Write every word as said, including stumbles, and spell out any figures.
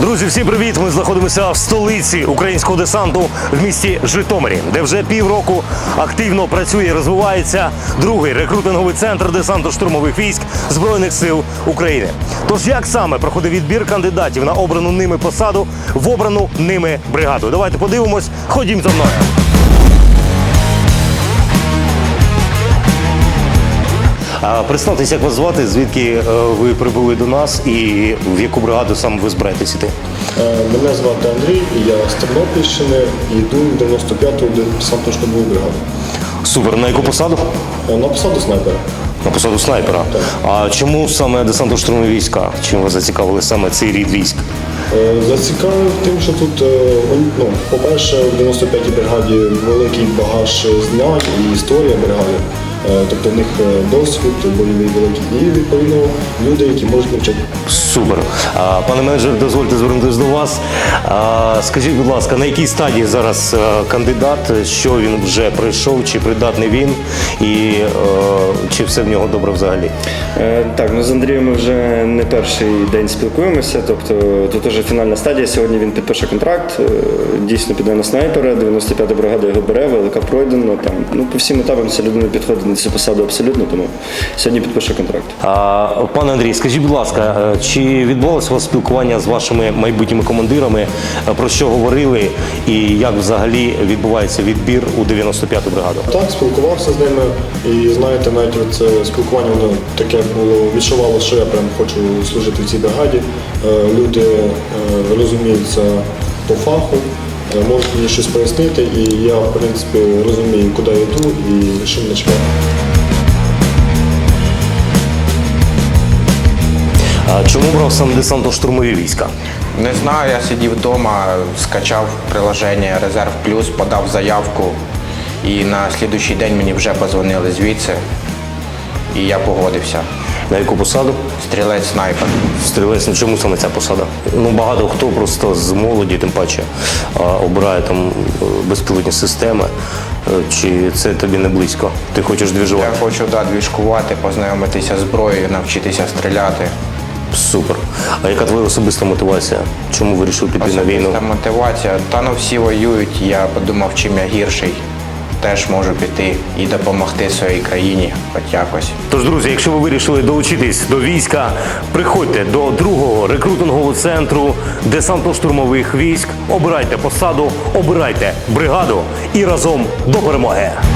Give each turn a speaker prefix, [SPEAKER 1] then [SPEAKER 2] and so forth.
[SPEAKER 1] Друзі, всім привіт! Ми знаходимося в столиці українського десанту в місті Житомирі, де вже півроку активно працює і розвивається другий рекрутинговий центр десантно-штурмових військ Збройних сил України. Тож як саме проходив відбір кандидатів на обрану ними посаду в обрану ними бригаду? Давайте подивимось, ходім за мною. Представтеся, як вас звати, звідки ви прибули до нас і в яку бригаду саме ви збираєтесь іти?
[SPEAKER 2] Мене звати Андрій, я з Тернопільщини і йду в дев'яносто п'яту десантно-штурмову бригаду.
[SPEAKER 1] Супер. На яку посаду?
[SPEAKER 2] На посаду снайпера.
[SPEAKER 1] На посаду снайпера?
[SPEAKER 2] Так.
[SPEAKER 1] А чому саме десантно-штурмові війська? Чим вас зацікавили саме цей рід військ?
[SPEAKER 2] Зацікавив тим, що тут, ну, по-перше, в дев'яносто п'ятій бригаді великий багаж знань і історія бригади. Тобто в них досвід бойовий великий і, відповідно, люди, які можуть навчати.
[SPEAKER 1] Супер. А, пане менеджер, дозвольте звернутися до вас. А, скажіть, будь ласка, на якій стадії зараз кандидат, що він вже пройшов, чи придатний він, і а, чи все в нього добре взагалі?
[SPEAKER 3] Е, так, ну з Андрієм ми вже не перший день спілкуємося, тобто тут вже фінальна стадія, сьогодні він підпише контракт, дійсно піде на снайпера, дев'яносто п'ята бригада його бере, велика пройдено, там, ну по всім етапам ця людина підходить на цю посаду абсолютно, тому сьогодні підпише контракт.
[SPEAKER 1] А, пане Андрій, скажіть, будь ласка, чи відбувалося у вас спілкування з вашими майбутніми командирами, про що говорили і як взагалі відбувається відбір у дев'яносто п'яту бригаду?
[SPEAKER 2] Так, спілкувався з ними і, знаєте, навіть це спілкування воно таке було, відчувало, що я прям хочу служити в цій бригаді. Люди розуміються по фаху, можуть мені щось пояснити, і я, в принципі, розумію, куди я йду і що мене чекає.
[SPEAKER 1] А чому брав саме десантно-штурмові війська?
[SPEAKER 4] Не знаю, я сидів вдома, скачав приложення Резерв Плюс, подав заявку і на слідуючий день мені вже подзвонили звідси і я погодився.
[SPEAKER 1] На яку посаду?
[SPEAKER 4] Стрілець-снайпер.
[SPEAKER 1] Стрілець, ну чому саме ця посада? Ну багато хто просто з молоді, тим паче, обирає там безпілотні системи. Чи це тобі не близько? Ти хочеш двіжувати?
[SPEAKER 4] Я хочу, да, двіжкувати, познайомитися з зброєю, навчитися стріляти.
[SPEAKER 1] Супер. А яка твоя особиста мотивація? Чому вирішив піти на війну?
[SPEAKER 4] Особиста мотивація? Та ну всі воюють, я подумав, чим я гірший. Теж можу піти і допомогти своїй країні хоч якось.
[SPEAKER 1] Тож, друзі, якщо ви вирішили долучитись до війська, приходьте до другого рекрутингового центру десантно-штурмових військ, обирайте посаду, обирайте бригаду і разом до перемоги!